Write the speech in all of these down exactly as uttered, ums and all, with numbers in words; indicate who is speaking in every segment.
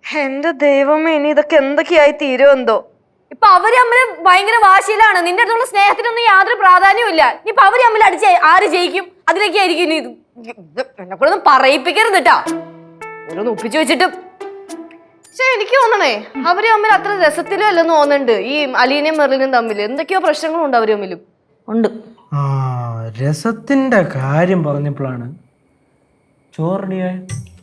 Speaker 1: എന്റെ ദൈവമേ, ഇനി ഇതൊക്കെ എന്തൊക്കെയായി തീരുമെന്തോ.
Speaker 2: ഇപ്പൊ അവര് തമ്മിൽ ഭയങ്കര വാശിയിലാണ്. നിന്റെ അടുത്തുള്ള സ്നേഹത്തിനൊന്നും യാതൊരു പ്രാധാന്യവും ഇല്ല. ഇപ്പൊ അവര് തമ്മിൽ അടിച്ച് ആര് ജയിക്കും? അതിലേക്കായിരിക്കും ഇനി ഇത്. എന്നെ കൂടെ ഒന്നും പറയിപ്പിക്കരുത് കേട്ടാ, ഓരോന്ന് ഒപ്പിച്ചു വെച്ചിട്ട്. പക്ഷെ എനിക്ക് തോന്നണേ അവര് തമ്മിൽ അത്ര രസത്തിലും അല്ലെന്ന് തോന്നുന്നുണ്ട്. ഈ അലീനയും മെർലിനും തമ്മിൽ എന്തൊക്കെയോ പ്രശ്നങ്ങളുണ്ട് അവര് തമ്മിലും ഉണ്ട്.
Speaker 3: ആ രസത്തിന്റെ കാര്യം പറഞ്ഞപ്പോഴാണ് ചോറിനിയായ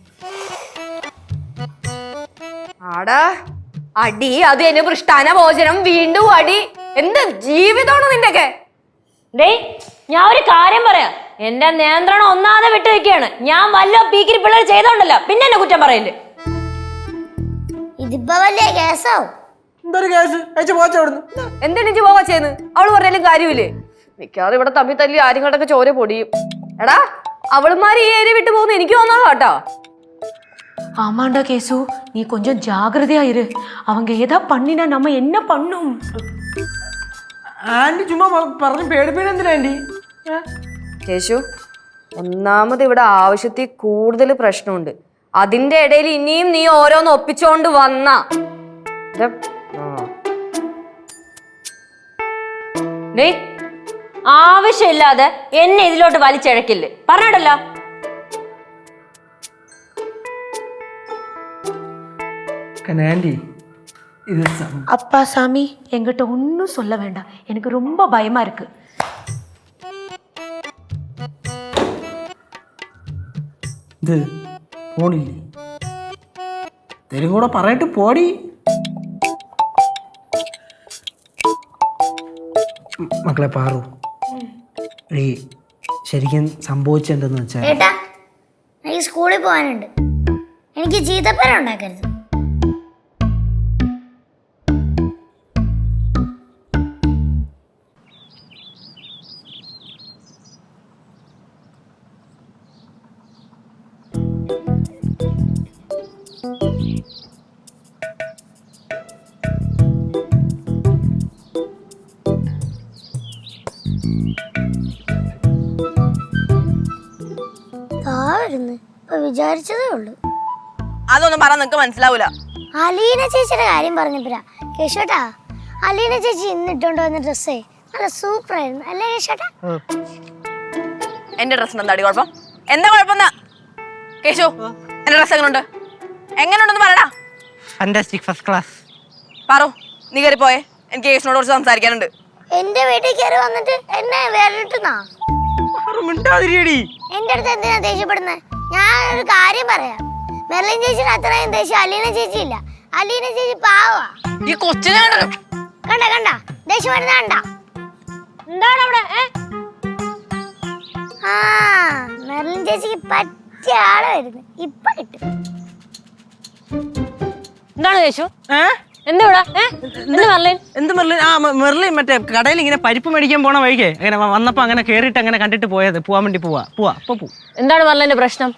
Speaker 2: ആടാ അടി, അത് എന്നെ പൃഷ്ടാന ഭോജനം, വീണ്ടും അടി. എന്ത് ജീവിതമാണോ നിന്റെയൊക്കെ?
Speaker 4: ഡേ, ഞാൻ ഒരു കാര്യം പറയാം. എന്റെ നിയന്ത്രണം ഒന്നാതെ വിട്ടു വെക്കുകയാണ്. ഞാൻ വല്ല പീക്കിരി പിള്ളേർ ചെയ്തോണ്ടല്ലോ പിന്നെ എന്നെ കുറ്റം പറയല്ലേ.
Speaker 5: ഇതിപ്പോ വലിയ കേസാവും.
Speaker 2: എന്തെനിക്ക് പോവാ ചെയ്യുന്നത്? അവള് പറഞ്ഞാലും കാര്യമില്ലേ? മിക്കവാറും ഇവിടെ തമ്മിൽ തല്ലി ആര്യങ്ങളുടെയൊക്കെ ചോര പൊടിയും. എടാ, അവളുമാര് ഈ ഏരിയ വിട്ടു പോകുന്നു എനിക്ക് തോന്നാ കേട്ടോ.
Speaker 4: ஆமாண்டா கேசு, நீ கொஞ்சம் ஜாகிரதையா இரு. அவங்க ஏதா பண்ணினா நம்ம என்ன பண்ணும்?
Speaker 3: ആന്റി ചുമ്മാ പറഞ്ഞു പേടിപ്പേടി എന്തിനാ ആന്റി?
Speaker 2: കേശു, ഒന്നാമത് ഇവിടെ ആവശ്യത്തിൽ കൂടുതൽ പ്രശ്നമുണ്ട്. അതിന്റെ ഇടയിൽ ഇനിയും നീ ഓരോന്ന് ഒപ്പിച്ചോണ്ട് വന്ന
Speaker 4: ആവശ്യമില്ലാതെ എന്നെ ഇതിലോട്ട് വലിച്ചിഴക്കില്ലേ, പറഞ്ഞിട്ടല്ലോ.
Speaker 3: ആന്റി ഇത്
Speaker 4: அப்பா சாமி, என்கிட்ட ஒன்றும் சொல்ல வேண்டாம். எனக்கு ரொம்ப பயமா இருக்கு.
Speaker 3: ഇത് പോണില്ലേ? തരും കൂടെ പറയട്ട് പോടി. മക്കളെ പാറു, ഈ ശരിക്കും സംഭവിച്ചെന്തെന്ന് വെച്ചാൽ
Speaker 5: ഏട്ടാ, എനിക്ക് സ്കൂളിൽ പോകാനുണ്ട്. എനിക്ക് ചീത്തപ്പേര ഉണ്ടാക്കരുത്. വിചാരിച്ചതേ ഉള്ളു.
Speaker 2: അതൊന്നും പറഞ്ഞ നിനക്ക് മനസ്സിലാവൂല.
Speaker 5: അലീന ചേച്ചിയുടെ കാര്യം പറഞ്ഞപ്പോഴാ കേശോട്ടാ, അലീന ചേച്ചി ഇന്ന് ഇട്ടോണ്ട് വന്ന ഡ്രസ്സേ നല്ല സൂപ്പർ ആയിരുന്നു അല്ലേ കേശോട്ടാ?
Speaker 2: എന്റെ ഡ്രസ്സിന് എന്താ കുഴപ്പം? എന്താ കുഴപ്പം? കേശു, എന്റെ ഡ്രസ് എങ്ങനെയുണ്ട്? എങ്ങനെയുണ്ടെന്ന് പറയടാ.
Speaker 3: Fantastic, first class.
Speaker 2: പറു, നീ കയറി പോയേ, എനിക്ക് കേസിനോട് കുറച്ച് സംസാരിക്കാനുണ്ട്.
Speaker 5: എന്റെ വീട്ടിൽ കയറി വന്നിട്ട് എന്നെ വേറിട്ടുന്നാ? എന്റെ അടുത്ത് എന്തിനാ ദേഷ്യപ്പെടുന്നത്? ഞാൻ ഒരു കാര്യം പറയാം. മെർലിൻ ചേച്ചിയുടെ അത്രയും ദേഷ്യം അലീന ചേച്ചി ഇല്ല. അലീന ചേച്ചി പാവാ.
Speaker 2: ഈ കൊച്ചിനെ
Speaker 5: കണ്ട കണ്ട ദേഷ്യം വരുന്ന കണ്ട.
Speaker 4: എന്താണ് അവിടെ?
Speaker 5: ആ മെർലിൻ ചേച്ചിക്ക് പറ്റിയ ആള് വരുന്നു. ഇപ്പൊ കിട്ടും.
Speaker 4: എന്താണ് കേശു? എന്താ ഇവിടെ?
Speaker 3: എന്ത് മെർലിൻ? ആ മെർലിൻ മറ്റേ കടയിൽ ഇങ്ങനെ പരിപ്പ് മേടിക്കാൻ പോണ വഴിക്കേ അങ്ങനെ വന്നപ്പോ അങ്ങനെ കേറിയിട്ട് അങ്ങനെ കണ്ടിട്ട് പോയത്. പോവാൻ വേണ്ടി പോവാ പോവാ അപ്പൊ പോ.
Speaker 4: എന്താണ് മെർലിന്റെ പ്രശ്നം?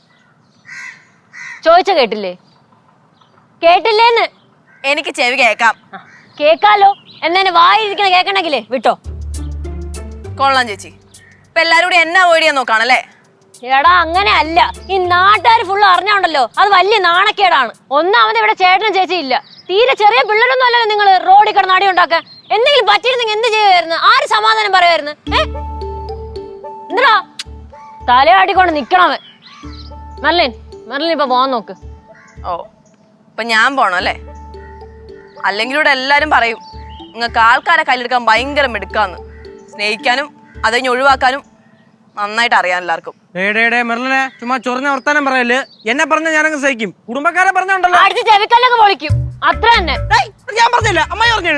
Speaker 4: ചോദിച്ച കേട്ടില്ലേ? കേട്ടില്ലേന്ന്?
Speaker 2: എനിക്ക് ചെവി കേക്കാം.
Speaker 4: കേക്കാലോ. എന്നെ വായിരിക്കണ കേക്കണെങ്കിലേ വിട്ടോ.
Speaker 2: കൊള്ളാം ചേച്ചി, ഇപ്പൊ എല്ലാരും കൂടി എന്നെ അവോയ്ഡ് ചെയ്യാൻ നോക്കാണല്ലേ?
Speaker 4: എടാ അങ്ങനെ അല്ല. ഈ നാട്ടുകാർ ഫുള്ള് അറിഞ്ഞോണ്ടല്ലോ, അത് വലിയ നാണക്കേടാണ്. ഒന്നാമത് ഇവിടെ ചേട്ടനും ചേച്ചി ഇല്ല. തീരെ ചെറിയ പിള്ളേരൊന്നും അല്ലല്ലോ നിങ്ങൾ റോഡിൽ കിടന്ന് അടി ഉണ്ടാക്കാൻ. എന്തെങ്കിലും പറ്റിയിരുന്നെങ്കിൽ എന്ത് ചെയ്യുമായിരുന്നു? ആര് സമാധാനം പറയുമായിരുന്നു? ഏ എന്താ തലയാടിക്കൊണ്ട് നിക്കണവൻ. മെർലിൻ, മെർലിൻ ഇപ്പൊ പോവാൻ നോക്ക്.
Speaker 2: ഓ, ഇപ്പൊ ഞാൻ പോണം അല്ലേ? അല്ലെങ്കിൽ ഇവിടെ എല്ലാരും പറയും നിങ്ങൾക്ക് ആൾക്കാരെ കയ്യിലെടുക്കാൻ ഭയങ്കര മിടുക്കാന്ന്. സ്നേഹിക്കാനും അത് കഴിഞ്ഞ് ഒഴിവാക്കാനും നന്നായിട്ട് അറിയാം എല്ലാവർക്കും.
Speaker 3: മെർലിനെ ചുമ്മാ ചൊറിഞ്ഞ വർത്താനം പറയല്. എന്നെ പറഞ്ഞ ഞാനങ്ങ് സഹിക്കും. കുടുംബക്കാരെ പറഞ്ഞോണ്ടല്ലോ
Speaker 4: അടിച്ച് ചെവിക്കല്ലൊക്കെ പൊളിക്കും. അത്ര തന്നെ.
Speaker 3: ഞാൻ പറഞ്ഞില്ല, അമ്മായി പറഞ്ഞു.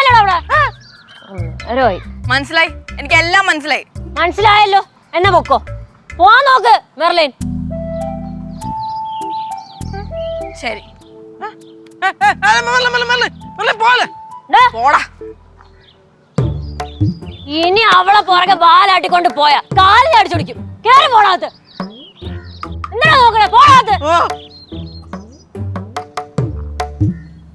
Speaker 2: മനസ്സിലായി, എനിക്ക് എല്ലാം മനസ്സിലായി.
Speaker 4: മനസ്സിലായല്ലോ, എന്നെ പൊക്കോ. പോവാൻ നോക്ക് മെർലിൻ.
Speaker 2: ശരി,
Speaker 4: പോടാ. ഇനി അവളെ പുറകെ ബാലാട്ടിക്കൊണ്ട് പോയാ കാലിൽ അടിച്ചോടിക്കും. കേറി പോണാത്ത്. എന്താ നോക്കണേ? പോണാത്ത്.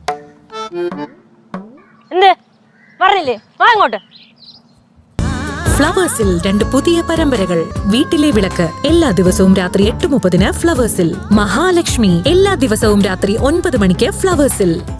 Speaker 4: എന്ത് പറഞ്ഞില്ലേ? വാ ഇങ്ങോട്ട്.
Speaker 6: ഫ്ലവേഴ്സിൽ രണ്ട് പുതിയ പരമ്പരകൾ. വീട്ടിലെ വിളക്ക് എല്ലാ ദിവസവും രാത്രി എട്ട് മുപ്പതിന് ഫ്ലവേഴ്സിൽ. മഹാലക്ഷ്മി എല്ലാ ദിവസവും രാത്രി ഒൻപത് മണിക്ക് ഫ്ലവേഴ്സിൽ.